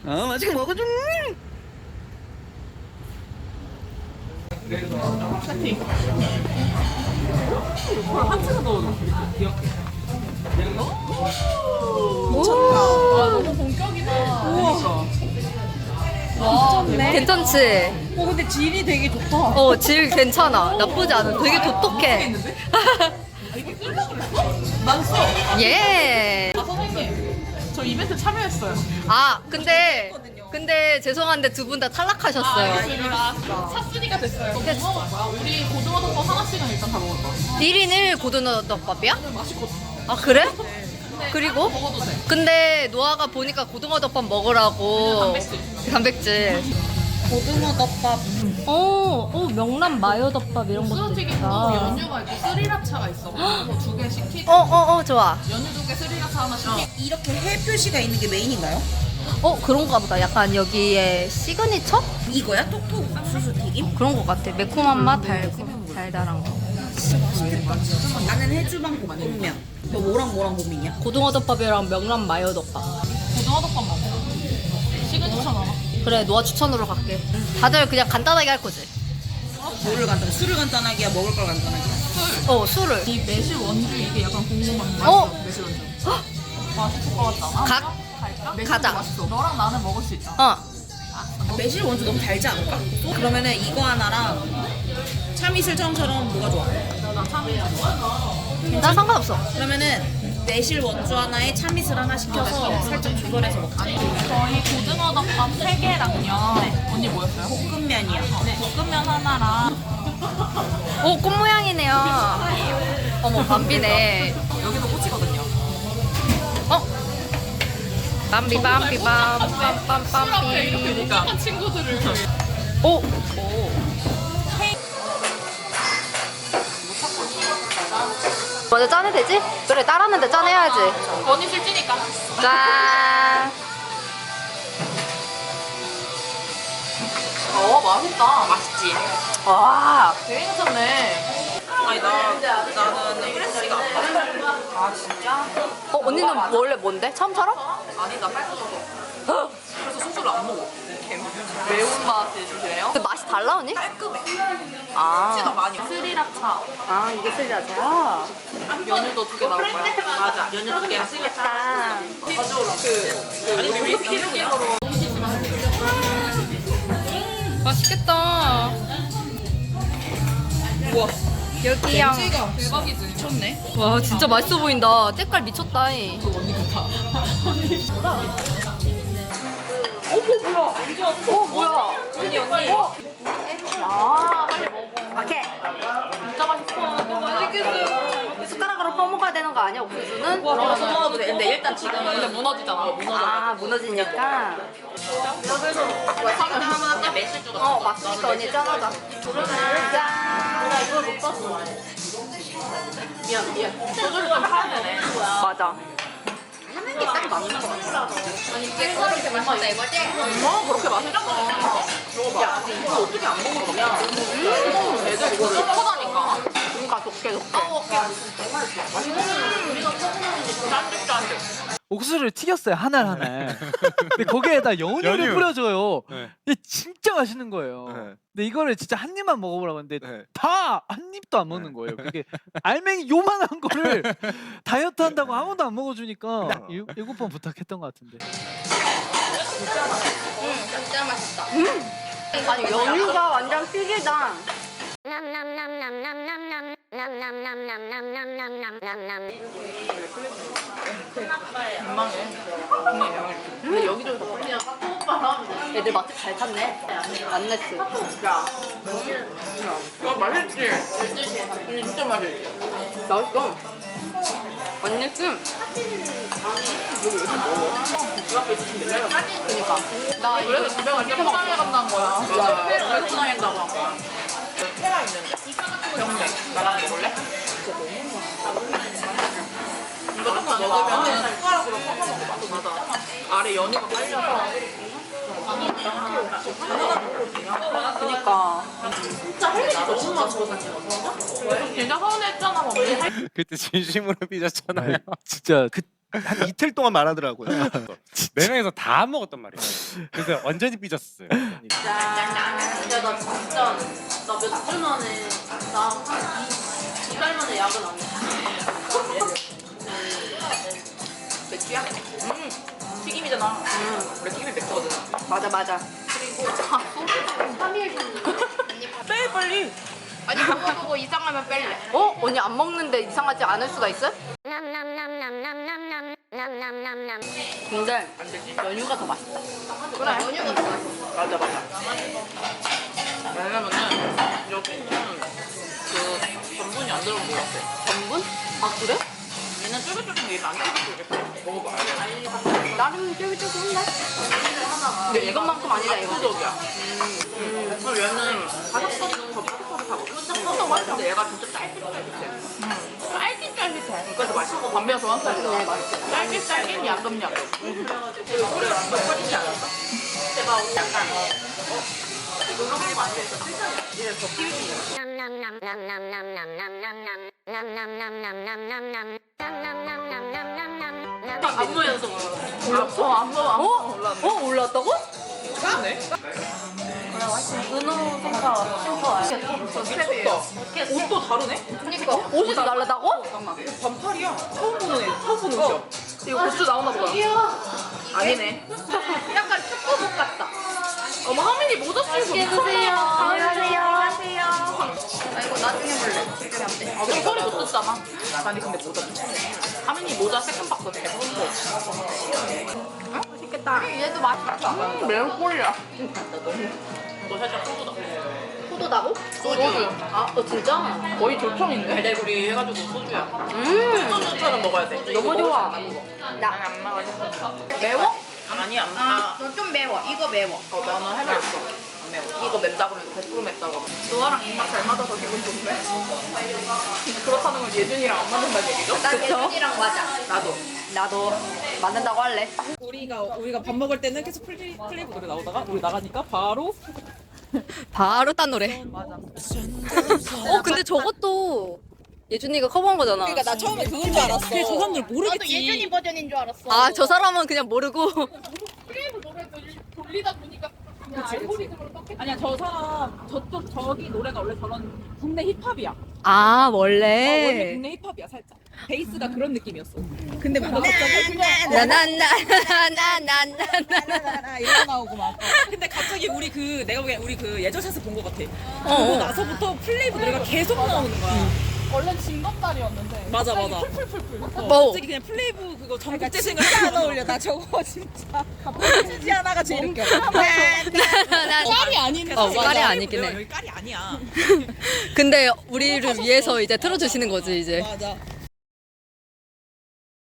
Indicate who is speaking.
Speaker 1: 맛있게 먹어줘.
Speaker 2: 하트가 넣어줘. 귀엽게.
Speaker 3: 미쳤다.
Speaker 2: 너무 본격이다. 우와. 와,
Speaker 4: 괜찮지?
Speaker 3: 근데 질이 되게 좋다.
Speaker 4: 어, 질 괜찮아. 나쁘지 않아. 되게 독특해.
Speaker 2: 난 써.
Speaker 4: 예.
Speaker 2: 선생님. 저 이벤트 참여했어요.
Speaker 4: 아, 근데 죄송한데 두 분 다 탈락하셨어요.
Speaker 2: 샀으니까 됐어요. 뭐 먹을 거야? 우리 고등어 덮밥 하나씩은 일단 다 먹을 거야.
Speaker 4: 1인 1 고등어 덮밥이야?
Speaker 2: 맛있거든.
Speaker 4: 아, 그래? 그리고?
Speaker 2: 먹어도 돼.
Speaker 4: 근데 노아가 보니까 고등어 덮밥 먹으라고. 단백질.
Speaker 3: 고등어 덮밥.
Speaker 4: 명란 마요 덮밥 이런
Speaker 2: 수저튀김도 연유가 있고 스리라차가 있어. 그래서 두 개 시키고
Speaker 4: 좋아.
Speaker 2: 연유 두 개 스리라차 하나 시키고.
Speaker 3: 이렇게 해 표시가 있는 게 메인인가요?
Speaker 4: 그런가 보다. 약간 여기에 시그니처?
Speaker 3: 이거야? 톡톡 옥수수 튀김?
Speaker 4: 그런 것 같아. 매콤한 맛, 달달한 거.
Speaker 3: 진짜 맛있겠다. 나는 해주방 볶음면. 너 뭐랑 고민이야?
Speaker 4: 고등어 덮밥이랑 명란 마요 덮밥.
Speaker 2: 고등어 덮밥 먹어. 시그니처 나와.
Speaker 4: 그래, 노아 추천으로 갈게. 다들 그냥 간단하게 할 거지?
Speaker 3: 뭐를 간단하게? 술을 간단하게 먹을 걸 간단하게.
Speaker 4: 술을.
Speaker 2: 이 매실 원주 이게 약간 궁금한 거.
Speaker 4: 어?
Speaker 2: 맛있어, 매실 원주. 맛있을 것 같지 않아?
Speaker 4: 갈까?
Speaker 2: 매실
Speaker 4: 가자.
Speaker 2: 맛있어. 너랑 나는 먹을 수 있잖아.
Speaker 3: 매실 원주 너무 달지 않을까? 그러면은 이거 하나랑 참이슬처럼 뭐가 좋아?
Speaker 2: 나 참이 좋아.
Speaker 4: 난 상관없어.
Speaker 3: 그러면은 매실 원주 하나에 참이슬 하나 시켜서 살짝 조절해서 먹자.
Speaker 2: 저희 고등어 덮밥 3개랑요. 언니 뭐였어요?
Speaker 3: 볶음면이야.
Speaker 2: 네. 볶음면 하나랑
Speaker 4: 꽃 모양이네요. 어머, 밤비네.
Speaker 2: 여기도 꽃이거든요.
Speaker 4: 빰비빰비빰빰빰빰비.
Speaker 2: 착한 친구들을
Speaker 4: 오! 먼저 짜내 되지? 그래, 따랐는데 짜내야지.
Speaker 2: 언니 술찌니까.
Speaker 4: 짠!
Speaker 2: 맛있다. 맛있지?
Speaker 4: 와!
Speaker 2: 되게 괜찮네.
Speaker 3: 아니 나는 프레시가 안 맞아.
Speaker 2: 아 진짜?
Speaker 4: 언니는 원래 뭔데? 처음처럼?
Speaker 2: 아니 나 빨개져서. 그래서 소주를 안 먹어. 매운맛이 주세요.
Speaker 4: 근데 맛이 달라, 언니?
Speaker 2: 깔끔해.
Speaker 4: 아.
Speaker 2: 진짜 많이. 스리라차.
Speaker 4: 아, 이게 스리라차.
Speaker 2: 연유도 2개 나올 거야. 맞아. 연유 2개.
Speaker 4: 맛있겠다.
Speaker 2: 우리 필요로.
Speaker 4: 맛있겠다.
Speaker 3: 우와.
Speaker 4: 여기요.
Speaker 2: 대박이지.
Speaker 3: 미쳤네.
Speaker 4: 와, 진짜 맛있어 보인다. 때깔 미쳤다. 이.
Speaker 2: 언니 같아.
Speaker 4: 뭐야? 언니. 아, 빨리 먹어. 오케이.
Speaker 2: 진짜 맛있어. 맛있겠어요.
Speaker 4: 숟가락으로 퍼먹어야 되는 거 아니야, 옥수수는?
Speaker 2: 먹어도 돼. 근데 일단 지금은 근데 무너지잖아.
Speaker 4: 아, 무너지니까.
Speaker 2: 하면 매실 주고.
Speaker 4: 맛있겠다, 언니. 짠하다. 짠.
Speaker 2: 이걸 못 봤어. 미안. 소주를 좀 타야 되네.
Speaker 4: 맞아.
Speaker 3: 하는 게 딱 맞는 거 같아.
Speaker 2: 아니 이게 그렇게 맛있다 이거지? 그렇게 맛있어. 야 이거 어떻게 안 먹어 그냥? 애들 이거 섞어다니까.
Speaker 4: 그러니까 좋게.
Speaker 2: 짠득짠득.
Speaker 1: 옥수수를 튀겼어요 하나하나. 근데 거기에다 연유를
Speaker 5: 연유.
Speaker 1: 뿌려줘요.
Speaker 5: 네.
Speaker 1: 이게 진짜 맛있는 거예요.
Speaker 5: 네.
Speaker 1: 근데 이거를 진짜 한 입만 먹어보라고 했는데
Speaker 5: 네.
Speaker 1: 다 한 입도 안 먹는 거예요. 그게 알맹이 요만한 거를 다이어트 한다고 아무도 안 먹어주니까 7번 부탁했던 것 같은데.
Speaker 2: 진짜 맛있다.
Speaker 4: 아니, 연유가 완전 튀기다.
Speaker 2: 근데 여기저기서 그냥
Speaker 4: 애들 맛집 잘 찾네. 안냈지.
Speaker 2: 이거 맛있지? 진짜 맛있지?
Speaker 4: 맛있어. 안냈지? 그니까. 나 이거
Speaker 2: 그래서 집에 갈때 포장해 간다는 거야. 왜 포장한다고 한 거야? 테라 있는데? 병대. 나랑 먹을래? 이거 조금 먹으면 숟가락으로 퍼서 먹어. 맞아. 아래 연유가 깔려서.
Speaker 4: 그니까.
Speaker 2: 진짜 헬리지 너무 맛있어. 진짜 서운했잖아, 언니.
Speaker 5: 그때 진심으로 삐졌잖아요.
Speaker 1: 진짜 그
Speaker 5: 한 이틀 동안 말하더라고요.
Speaker 6: 4명에서 다 먹었단 말이에요. 그래서 완전히 삐졌어요.
Speaker 2: 야, 근데 나 진짜 나 몇 주 만에 나한 2달 만에 약은 안 먹어. 맥주야? 튀김이잖아. 원래 튀김이 맥주거든. 맞아. 그리고 소주 3일 빼 빨리. 아니 그거 보고 이상하면 뺄래. 어? 언니 안 먹는데 이상하지 않을 수가 있어? 근데 연유가 더 맛있다. 그래. 연유가 더 맛있어. 맞아. 왜냐면은 여기는 그 전분이 안 들어온 것 같아. 전분? 아 그래? 얘는 쫄깃쫄깃 얘는 안 쫄깃쫄깃해. 먹어봐. 나름 쫄깃쫄깃한데? 근데 이것만큼 아니다 이거. 압도적이야. 그리고 얘는 바삭바삭하고 근데 얘가 진짜 짤깃짤깃해. 짤깃짤깃해. 그래서 맛있고 반면 좋아한다니까. 네, 맛있어. 짤깃짤깃 야금야금. 그리고 소리가 좀 빠지지 않았어? 제가 약간 노력이 많이 됐어. 얘 더 튀기지. 안무에서 올랐어? 안무 올랐다고? 그러네. 은호 선사 슈퍼 스텝이에요. 옷도 다르네? 그니까 옷이 다르다고? 반팔이야. 처음 보는 옷이야. 이거 굿즈 나오나 보다. 아니네. 약간 축구복 같다. 어머 하민이 모자 쓰고 미쳤나? 안녕하세요. 아 이거 나중에 볼래. 지금 안 돼. 아 그럼 소리 못 듣잖아. 아니 근데 모자 하민이 모자 세컨 바꿔 예쁜데. 맛있겠다. 얘도 맛있다. 매운 꼴이야. 너 살짝 포도다. 포도다고? 소주. 아, 진짜? 거의 조청인데? 달달구리 해가지고 소주야. 소주처럼 먹어야 돼. 너무 좋아. 나 안 먹어. 매워? 아니 안 매워. 좀 매워. 이거 매워. 나는 해봤어. 안 매워. 이거 맵다 그러면 100% 맵다고. 너랑 입맛 잘 맞아서 기분 좋네. 그렇다는 건 예준이랑 안 맞는다는 얘기죠? 나 예준이랑 맞아. 나도 맞는다고 할래.
Speaker 3: 우리가 밥 먹을 때는 계속 플레이브 노래 나오다가 우리 나가니까
Speaker 4: 바로 딴 노래.
Speaker 3: 맞아.
Speaker 4: 근데 저것도 예준이가 커버한 거잖아.
Speaker 3: 그러니까 나 처음에 그건 줄 알았어. 근데 저 사람들 모르겠지.
Speaker 2: 나도 예준이 버전인 줄 알았어.
Speaker 4: 아, 저 사람은 그냥 모르고.
Speaker 2: 플레이브 노래 돌리다 보니까 알고리즘으로 떴겠다.
Speaker 3: 아니야 저 사람 저기 노래가 원래 저런 국내 힙합이야.
Speaker 4: 아,
Speaker 3: 원래
Speaker 4: 원래.
Speaker 3: 국내 힙합이야 살짝. 베이스가 그런 느낌이었어. 근데 막 갑자기 그냥
Speaker 4: 나나나나나나나나
Speaker 3: 이런 나오고 막. 근데 갑자기 내가 보기엔 우리 그 예전샷을 본 것 같아. 그러고 나서부터 플레이브 노래가 계속 나오는 거야.
Speaker 2: 원래 징검다리였는데.
Speaker 3: 맞아.
Speaker 4: 뭐?
Speaker 3: 갑자기 그냥 플레이브 그거 전국제 생각 안 어울려. 나 저거 진짜. 지 하나가 제일 웃겨. 깔이 아니네.
Speaker 4: 깔이 아니긴 해.
Speaker 3: 여기 깔이 아니야.
Speaker 4: 근데 우리를 위해서 이제 틀어주시는 거지, 이제.
Speaker 3: 맞아.